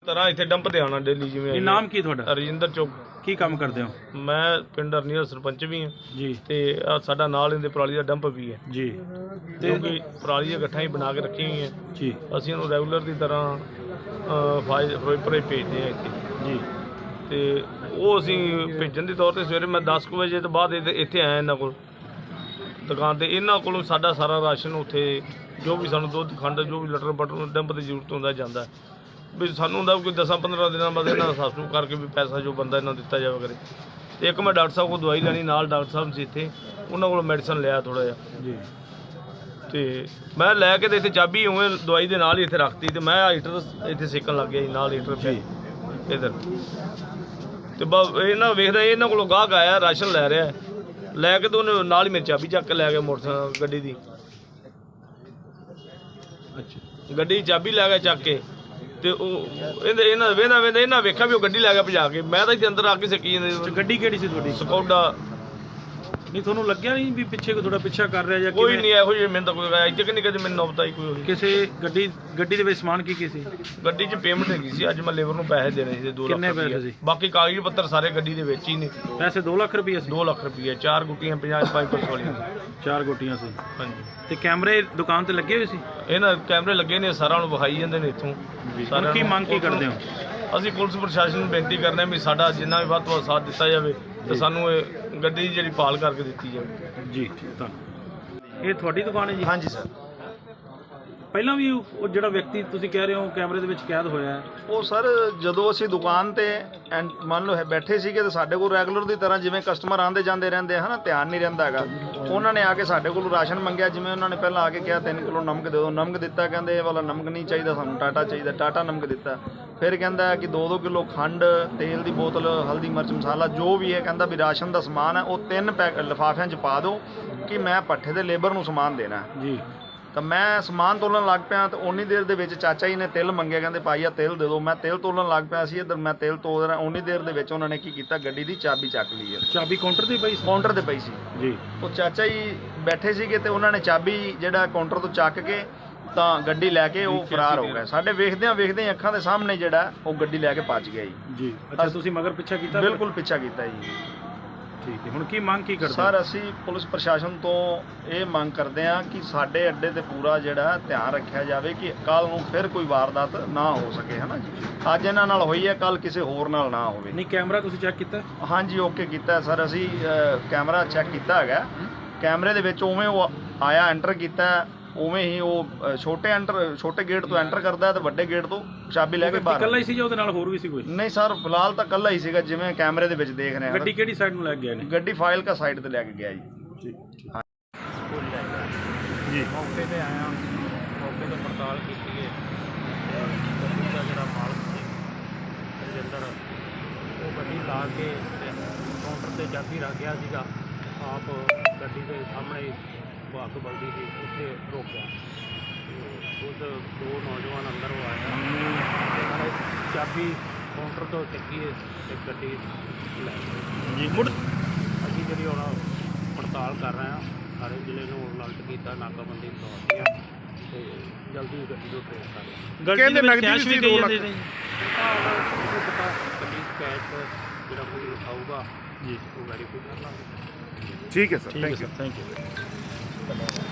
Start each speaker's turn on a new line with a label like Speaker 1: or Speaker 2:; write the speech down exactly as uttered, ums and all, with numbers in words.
Speaker 1: ਤਰ੍ਹਾਂ ਇੱਥੇ ਡੰਪ ਤੇ ਆਉਣਾ ਡੇਲੀ ਜਿਵੇਂ।
Speaker 2: ਇਹ ਨਾਮ ਕੀ ਤੁਹਾਡਾ?
Speaker 1: ਰਜਿੰਦਰ ਚੌਕ।
Speaker 2: ਕੀ ਕੰਮ ਕਰਦੇ ਹੋ?
Speaker 1: ਮੈਂ ਪਿੰਡ ਅਰਨੀਆ ਸਰਪੰਚ ਵੀ ਹਾਂ
Speaker 2: ਜੀ, ਤੇ
Speaker 1: ਆਹ ਸਾਡਾ ਨਾਲ ਇਹਦੇ ਪਰਾਲੀ ਦਾ ਡੰਪ ਵੀ ਹੈ
Speaker 2: ਜੀ, ਤੇ
Speaker 1: ਕਿਉਂਕਿ ਪਰਾਲੀ ਦੀਆਂ ਗੱਠਾਂ ਹੀ ਬਣਾ ਕੇ ਰੱਖੀਆਂ ਹੋਈਆਂ
Speaker 2: ਜੀ।
Speaker 1: ਅਸੀਂ ਉਹਨੂੰ ਰੈਗੂਲਰ ਦੀ ਤਰ੍ਹਾਂ ਫਾਈਲ ਫਿਰੋਜ਼ਪੁਰ ਭੇਜਦੇ ਹਾਂ ਇੱਥੇ
Speaker 2: ਜੀ,
Speaker 1: ਤੇ ਉਹ ਅਸੀਂ ਭੇਜਣ ਦੇ ਤੌਰ ਤੇ ਸਵੇਰੇ ਮੈਂ ਦਸ ਕੁ ਵਜੇ ਤੋਂ ਬਾਅਦ ਇੱਥੇ ਇੱਥੇ ਆਇਆ ਇਹਨਾਂ ਕੋਲ ਦੁਕਾਨ ਤੇ। ਇਹਨਾਂ ਕੋਲੋਂ ਸਾਡਾ ਸਾਰਾ ਰਾਸ਼ਨ ਉੱਥੇ ਜੋ ਵੀ ਸਾਨੂੰ ਦੁੱਧ ਖੰਡ ਜੋ ਵੀ ਲਟਰ ਬਟਰ ਡੰਪ ਦੀ ਜ਼ਰੂਰਤ ਹੁੰਦਾ ਜਾਂਦਾ ਵੀ ਸਾਨੂੰ ਹੁੰਦਾ ਕੋਈ ਦਸਾਂ ਪੰਦਰਾਂ ਦਿਨਾਂ ਬਾਅਦ ਇਹਨਾਂ ਦਾ ਸਾਸੂ ਕਰਕੇ ਵੀ ਪੈਸਾ ਜੋ ਬੰਦਾ ਇਹਨਾਂ ਨੂੰ ਦਿੱਤਾ ਜਾਵੇ ਕਰੇ। ਤੇ ਇੱਕ ਮੈਂ ਡਾਕਟਰ ਸਾਹਿਬ ਕੋਲ ਦਵਾਈ ਲੈਣੀ, ਨਾਲ ਡਾਕਟਰ ਸਾਹਿਬ ਸੀ ਇੱਥੇ, ਉਹਨਾਂ ਕੋਲੋਂ ਮੈਡੀਸਨ ਲਿਆ ਥੋੜ੍ਹਾ ਜਿਹਾ
Speaker 2: ਜੀ। ਤੇ
Speaker 1: ਮੈਂ ਲੈ ਕੇ ਤੇ ਇੱਥੇ ਚਾਬੀ ਉਵੇਂ ਦਵਾਈ ਦੇ ਨਾਲ ਹੀ ਇੱਥੇ ਰੱਖਤੀ ਤੇ ਮੈਂ ਹੀਟਰ ਇੱਥੇ ਸੇਕਣ ਲੱਗ ਗਿਆ ਜੀ, ਨਾਲ ਹੀਟਰ ਪਿਆ ਇੱਧਰ। ਤੇ ਬਸ ਇਹਨਾਂ ਵੇਖਦਾ ਇਹਨਾਂ ਕੋਲੋਂ ਗਾਹਕ ਆਇਆ ਰਾਸ਼ਨ ਲੈ ਰਿਹਾ, ਲੈ ਕੇ ਤੇ ਉਹਨੇ ਨਾਲ ਹੀ ਮੇਰੀ ਚਾਬੀ ਚੱਕ ਕੇ ਲੈ ਗਿਆ ਮੋਟਰਸਾਈਕਲ ਗੱਡੀ ਦੀ।
Speaker 2: ਅੱਛਾ,
Speaker 1: ਗੱਡੀ ਦੀ ਚਾਬੀ ਲੈ ਗਿਆ ਚੱਕ ਕੇ ਤੇ ਉਹ ਇਹਦੇ ਇਹਨਾਂ ਵੇਂਦਾ ਵੇਂਦਾ ਇਹਨਾਂ ਵੇਖਿਆ ਵੀ ਉਹ ਗੱਡੀ ਲੈ ਗਿਆ ਭਜਾ ਕੇ। ਮੈਂ ਤਾਂ ਇੱਥੇ ਅੰਦਰ ਆ ਕੇ ਸਕੀ ਜਾਂਦੇ।
Speaker 2: ਗੱਡੀ ਕਿਹੜੀ ਸੀ ਤੁਹਾਡੀ?
Speaker 1: ਸਕੌਡਾ।
Speaker 2: ਨਹੀਂ ਤੁਹਾਨੂੰ ਲੱਗਿਆ ਨਹੀਂ ਵੀ ਪਿੱਛੇ ਕੋਈ ਥੋੜਾ ਪਿੱਛਾ ਕਰ ਰਿਹਾ ਜਾਂ
Speaker 1: ਕੋਈ ਨਹੀਂ ਇਹੋ ਜਿਹੀ ਮੈਨੂੰ ਤਾਂ ਕੋਈ ਆਇਆ ਇੱਥੇ ਕਿ ਨਹੀਂ ਕਦੇ ਮੈਨੂੰ ਨੌਬਤ ਆਈ ਕੋਈ ਹੋਈ।
Speaker 2: ਕਿਸੇ ਗੱਡੀ ਗੱਡੀ ਦੇ ਵਿੱਚ ਸਮਾਨ ਕੀ ਕੀ ਸੀ?
Speaker 1: ਗੱਡੀ 'ਚ ਪੇਮੈਂਟ ਹੈਗੀ ਸੀ, ਅੱਜ ਮੈਂ ਲੇਬਰ ਨੂੰ ਪੈਸੇ ਦੇਣੇ ਸੀ ਦੋ ਲੱਖ।
Speaker 2: ਕਿੰਨੇ ਪੈਸੇ ਸੀ?
Speaker 1: ਬਾਕੀ ਕਾਗਜ਼ ਪੱਤਰ ਸਾਰੇ ਗੱਡੀ ਦੇ ਵਿੱਚ ਹੀ ਨੇ।
Speaker 2: ਪੈਸੇ ਦੋ ਲੱਖ ਰੁਪਏ ਸੀ?
Speaker 1: ਦੋ ਲੱਖ ਰੁਪਏ, ਚਾਰ ਗੁੱਟੀਆਂ ਪੰਜਾਹ ਪੰਜ ਪਰਸ ਵਾਲੀਆਂ।
Speaker 2: ਚਾਰ ਗੋਟੀਆਂ ਸੀ।
Speaker 1: ਹਾਂਜੀ।
Speaker 2: ਤੇ ਕੈਮਰੇ ਦੁਕਾਨ ਤੇ ਲੱਗੇ ਹੋਏ ਸੀ?
Speaker 1: ਇਹਨਾਂ ਕੈਮਰੇ ਲੱਗੇ ਨੇ, ਸਾਰਿਆਂ ਨੂੰ ਵਿਖਾਈ ਜਾਂਦੇ ਨੇ ਇੱਥੋਂ।
Speaker 2: ਸਾਰਿਆਂ ਕੀ ਮੰਗ ਕੀ ਕਰਦੇ ਹੋ?
Speaker 1: ਅਸੀਂ ਪੁਲਿਸ ਪ੍ਰਸ਼ਾਸਨ ਨੂੰ ਬੇਨਤੀ ਕਰਦੇ ਹਾਂ ਵੀ ਸਾਡਾ ਜਿੰਨਾ ਵੀ ਵੱਧ ਤੋਂ ਵੱਧ ਸਾਥ ਦਿੱਤਾ ਜਾਵੇ ਤੇ ਸਾਨੂੰ ਇਹ ਗੱਡੀ ਦੀ ਜਿਹੜੀ ਭਾਲ ਕਰਕੇ ਦਿੱਤੀ ਜਾਵੇ।
Speaker 2: ਜੀ, ਧੰਨਵਾਦ। ਇਹ ਤੁਹਾਡੀ ਦੁਕਾਨ ਹੈ ਜੀ?
Speaker 3: ਹਾਂਜੀ ਸਰ।
Speaker 2: ਪਹਿਲਾਂ ਵੀ ਉਹ ਜਿਹੜਾ ਵਿਅਕਤੀ ਤੁਸੀਂ ਕਹਿ ਰਹੇ ਹੋ ਕੈਮਰੇ ਦੇ ਵਿੱਚ ਕੈਦ ਹੋਇਆ ਹੈ,
Speaker 3: ਉਹ ਸਰ ਜਦੋਂ ਅਸੀਂ ਦੁਕਾਨ ਤੇ ਐਂ ਮੰਨ ਲਓ ਹੈ ਬੈਠੇ ਸੀਗੇ ਤੇ ਸਾਡੇ ਕੋਲ ਰੈਗੂਲਰ ਦੀ ਤਰ੍ਹਾਂ ਜਿਵੇਂ ਕਸਟਮਰ ਆਉਂਦੇ ਜਾਂਦੇ ਰਹਿੰਦੇ ਹਨ, ਧਿਆਨ ਨਹੀਂ ਰਹਿੰਦਾ ਹੈਗਾ। ਉਹਨਾਂ ਨੇ ਆ ਕੇ ਸਾਡੇ ਕੋਲ ਰਾਸ਼ਨ ਮੰਗਿਆ, ਜਿਵੇਂ ਉਹਨਾਂ ਨੇ ਪਹਿਲਾਂ ਆ ਕੇ ਕਿਹਾ ਤਿੰਨ ਕਿਲੋ ਨਮਕ ਦੇ ਦਿਓ, ਨਮਕ ਦਿੱਤਾ, ਕਹਿੰਦੇ ਇਹ ਵਾਲਾ ਨਮਕ ਨਹੀਂ ਚਾਹੀਦਾ ਸਾਨੂੰ, ਟਾਟਾ ਚਾਹੀਦਾ, ਟਾਟਾ ਨਮਕ ਦਿੱਤਾ। ਫਿਰ ਕਹਿੰਦਾ ਕਿ ਦੋ ਦੋ ਕਿਲੋ ਖੰਡ, ਤੇਲ ਦੀ ਬੋਤਲ, ਹਲਦੀ ਮਿਰਚ ਮਸਾਲਾ ਜੋ ਵੀ ਹੈ, ਕਹਿੰਦਾ ਵੀ ਰਾਸ਼ਨ ਦਾ ਸਮਾਨ ਹੈ ਉਹ ਤਿੰਨ ਪੈਕ ਲਿਫਾਫਿਆਂ 'ਚ ਪਾ ਦਿਓ ਕਿ ਮੈਂ ਪੱਠੇ ਦੇ ਲੇਬਰ ਨੂੰ ਸਮਾਨ ਦੇਣਾ
Speaker 2: ਜੀ।
Speaker 3: ਤਾਂ ਮੈਂ ਸਮਾਨ ਤੋਲਣ ਲੱਗ ਪਿਆ ਤਾਂ ਉਨੀ ਦੇਰ ਦੇ ਵਿੱਚ ਚਾਚਾ ਜੀ ਨੇ ਤਿਲ ਮੰਗਿਆ, ਕਹਿੰਦੇ ਭਾਈ ਆ ਤਿਲ ਦੇ ਦਿਓ। ਮੈਂ ਤਿਲ ਤੋਲਣ ਲੱਗ ਪਿਆ ਸੀ ਇੱਧਰ, ਮੈਂ ਤਿਲ ਤੋਲ ਰਿਹਾ, ਉਨੀ ਦੇਰ ਦੇ ਵਿੱਚ ਉਹਨਾਂ ਨੇ ਕੀ ਕੀਤਾ, ਗੱਡੀ ਦੀ ਚਾਬੀ ਚੱਕ ਲਈ ਹੈ।
Speaker 2: ਚਾਬੀ ਕਾਊਂਟਰ ਤੇ ਪਈ ਸੀ?
Speaker 3: ਕਾਊਂਟਰ ਤੇ ਪਈ ਸੀ
Speaker 2: ਜੀ।
Speaker 3: ਉਹ ਚਾਚਾ ਜੀ ਬੈਠੇ ਸੀਗੇ ਤੇ ਉਹਨਾਂ ਨੇ ਚਾਬੀ ਜਿਹੜਾ ਕਾਊਂਟਰ ਤੋਂ ਚੱਕ ਕੇ ਤਾਂ ਗੱਡੀ ਲੈ ਕੇ ਉਹ ਫਰਾਰ ਹੋ ਗਏ। ਸਾਡੇ ਵੇਖਦਿਆਂ ਵੇਖਦਿਆਂ ਅੱਖਾਂ ਦੇ ਸਾਹਮਣੇ ਜਿਹੜਾ ਉਹ ਗੱਡੀ ਲੈ ਕੇ ਭੱਜ ਗਿਆ ਜੀ।
Speaker 2: ਜੀ, ਅੱਛਾ, ਤੁਸੀਂ ਮਗਰ ਪਿੱਛਾ ਕੀਤਾ?
Speaker 3: ਬਿਲਕੁਲ ਪਿੱਛਾ ਕੀਤਾ ਜੀ।
Speaker 2: ਠੀਕ ਹੈ, ਹੁਣ ਕੀ ਮੰਗ ਕੀ ਕਰਦੇ
Speaker 3: ਸਰ? ਅਸੀਂ ਪੁਲਿਸ ਪ੍ਰਸ਼ਾਸਨ ਤੋਂ ਇਹ ਮੰਗ ਕਰਦੇ ਹਾਂ ਕਿ ਸਾਡੇ ਅੱਡੇ ਤੇ ਪੂਰਾ ਜਿਹੜਾ ਧਿਆਨ ਰੱਖਿਆ ਜਾਵੇ ਕਿ ਕੱਲ ਨੂੰ ਫਿਰ ਕੋਈ ਵਾਰਦਾਤ ਨਾ ਹੋ ਸਕੇ, ਹੈ ਨਾ ਜੀ। ਅੱਜ ਇਹਨਾਂ ਨਾਲ ਹੋਈ ਹੈ, ਕੱਲ ਕਿਸੇ ਹੋਰ ਨਾਲ ਨਾ ਹੋਵੇ।
Speaker 2: ਨਹੀਂ, ਕੈਮਰਾ ਤੁਸੀਂ ਚੈੱਕ ਕੀਤਾ?
Speaker 3: ਹਾਂਜੀ, ਓਕੇ ਕੀਤਾ ਸਰ। ਅਸੀਂ ਕੈਮਰਾ ਚੈੱਕ ਕੀਤਾ ਹੈਗਾ। ਕੈਮਰੇ ਦੇ ਵਿੱਚ ਉਵੇਂ ਉਹ ਆਇਆ, ਐਂਟਰ ਕੀਤਾ, ਉਵੇਂ ਹੀ ਉਹ ਛੋਟੇ ਐਂਟਰ ਛੋਟੇ ਗੇਟ ਤੋਂ ਐਂਟਰ ਕਰਦਾ ਤੇ ਵੱਡੇ ਗੇਟ ਤੋਂ ਚਾਬੀ ਲੈ ਕੇ ਬਾਹਰ।
Speaker 2: ਇਕੱਲਾ ਹੀ ਸੀ ਜਾਂ ਉਹਦੇ ਨਾਲ ਹੋਰ ਵੀ ਸੀ ਕੋਈ?
Speaker 3: ਨਹੀਂ ਸਰ, ਫਿਲਹਾਲ ਤਾਂ ਇਕੱਲਾ ਹੀ ਸੀਗਾ, ਜਿਵੇਂ ਕੈਮਰੇ ਦੇ ਵਿੱਚ ਦੇਖ ਰਹੇ ਹਾਂ।
Speaker 2: ਗੱਡੀ ਕਿਹੜੀ ਸਾਈਡ ਨੂੰ ਲੈ ਗਿਆ ਨੇ?
Speaker 3: ਗੱਡੀ ਫਾਈਲ ਕਾ ਸਾਈਡ ਤੇ ਲੈ ਕੇ ਗਿਆ ਜੀ।
Speaker 2: ਜੀ,
Speaker 1: ਮੌਕੇ ਤੇ ਆਇਆ, ਮੌਕੇ ਤੇ ਪੜਤਾਲ ਕੀਤੀ ਹੈ। ਗੱਡੀ ਦਾ ਜਿਹੜਾ ਮਾਲਕ ਸੀ ਰਜਿੰਦਰ, ਉਹ ਗੱਡੀ ਲਾ ਕੇ ਕਾਊਂਟਰ ਤੇ ਚਾਬੀ ਰੱਖ ਗਿਆ ਸੀਗਾ, ਆਪ ਗੱਡੀ ਦੇ ਸਾਹਮਣੇ ਅੱਗ ਬਲਦੀ ਸੀ, ਉੱਥੇ ਰੁਕ ਗਿਆ। ਉਸ ਦੋ ਨੌਜਵਾਨ ਅੰਦਰ ਉਹ ਆਇਆ, ਉਹਨਾਂ ਨੇ ਚਾਬੀ ਕਾਊਂਟਰ ਤੋਂ ਚੱਕੀ ਤੇ ਗੱਡੀ ਲੈ ਗਏ ਜੀ। ਮੁੜ ਅਸੀਂ ਜਿਹੜੀ ਹੁਣ ਪੜਤਾਲ ਕਰ ਰਹੇ ਹਾਂ, ਸਾਰੇ ਜ਼ਿਲ੍ਹੇ ਨੂੰ ਅਲਰਟ ਕੀਤਾ, ਨਾਕਾਬੰਦੀ ਲਗਾਉਂਦੇ ਆ ਤੇ ਜਲਦੀ ਗੱਡੀ ਨੂੰ ਟ੍ਰੇਸ ਕਰ ਰਹੇ।
Speaker 2: ਗੱਡੀ ਦੇ ਵਿੱਚ ਕੈਸ਼ ਵੀ ਗਈ ਜਾਂਦੇ ਨੇ
Speaker 1: ਪਤਾ ਗੱਡੀ ਕੈਸ਼ ਜਿਹੜਾ ਕੋਈ ਲਿਖਾਊਗਾ ਜੀ ਉਹ ਵੈਰੀਫਾਈ ਕਰ ਲਾਂਗੇ।
Speaker 3: ਠੀਕ ਹੈ ਸਰ,
Speaker 2: ਥੈਂਕ ਯੂ।
Speaker 1: ਧੰਨਵਾਦ।